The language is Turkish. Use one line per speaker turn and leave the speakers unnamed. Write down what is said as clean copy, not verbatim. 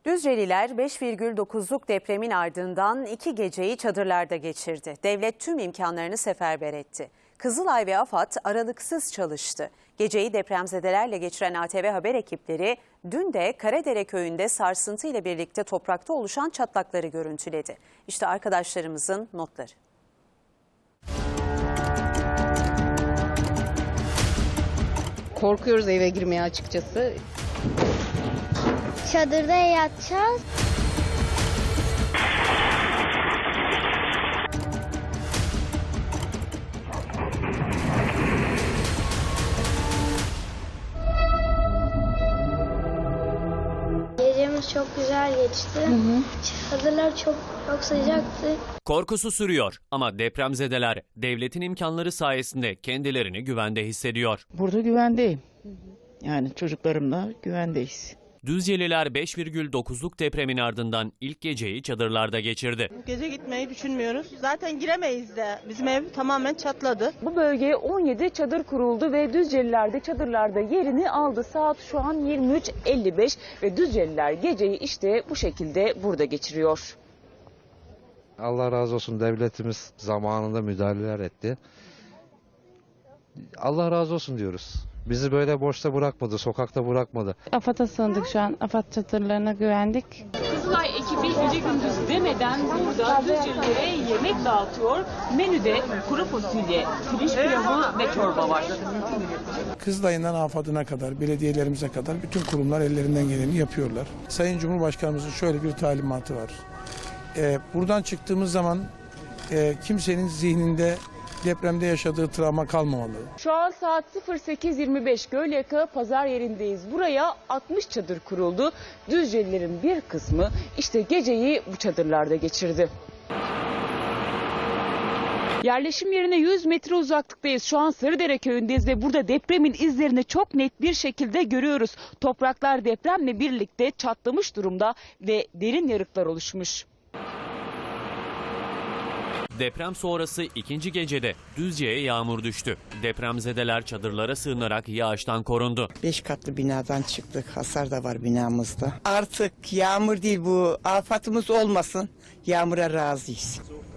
Düzceliler 5,9'luk depremin ardından 2 geceyi çadırlarda geçirdi. Devlet tüm imkanlarını seferber etti. Kızılay ve AFAD aralıksız çalıştı. Geceyi depremzedelerle geçiren ATV haber ekipleri dün de Karadere köyünde sarsıntı ile birlikte toprakta oluşan çatlakları görüntüledi. İşte arkadaşlarımızın notları.
Korkuyoruz eve girmeye açıkçası.
Çadırda yatacağız. Gecemiz çok güzel geçti. Çadırlar çok sıcaktı.
Korkusu sürüyor ama depremzedeler devletin imkanları sayesinde kendilerini güvende hissediyor.
Burada güvendeyim. Yani çocuklarımla güvendeyiz.
Düzceliler 5,9'luk depremin ardından ilk geceyi çadırlarda geçirdi.
Gece gitmeyi düşünmüyoruz. Zaten giremeyiz de. Bizim ev tamamen çatladı.
Bu bölgeye 17 çadır kuruldu ve Düzceliler de çadırlarda yerini aldı. Saat şu an 23:55 ve Düzceliler geceyi işte bu şekilde burada geçiriyor.
Allah razı olsun, devletimiz zamanında müdahaleler etti. Allah razı olsun diyoruz. Bizi böyle boşta bırakmadı, sokakta bırakmadı.
AFAD'a sığındık şu an. AFAD çadırlarına güvendik.
Kızılay ekibi gece gündüz demeden burada Düzcelilere yemek dağıtıyor. Menüde kuru fasulye, pirinç pilavı ve çorba var.
Kızılay'ından AFAD'ına kadar, belediyelerimize kadar bütün kurumlar ellerinden geleni yapıyorlar. Sayın Cumhurbaşkanımızın şöyle bir talimatı var. Buradan çıktığımız zaman kimsenin zihninde depremde yaşadığı travma kalmamalı.
Şu an saat 08:25 Gölyaka pazar yerindeyiz. Buraya 60 çadır kuruldu. Düzcelilerin bir kısmı işte geceyi bu çadırlarda geçirdi. Yerleşim yerine 100 metre uzaklıktayız. Şu an Sarıdere köyündeyiz ve burada depremin izlerini çok net bir şekilde görüyoruz. Topraklar depremle birlikte çatlamış durumda ve derin yarıklar oluşmuş.
Deprem sonrası ikinci gecede Düzce'ye yağmur düştü. Depremzedeler çadırlara sığınarak yağıştan korundu.
5 katlı binadan çıktık. Hasar da var binamızda. Artık yağmur değil bu. Afatımız olmasın. Yağmura razıyız.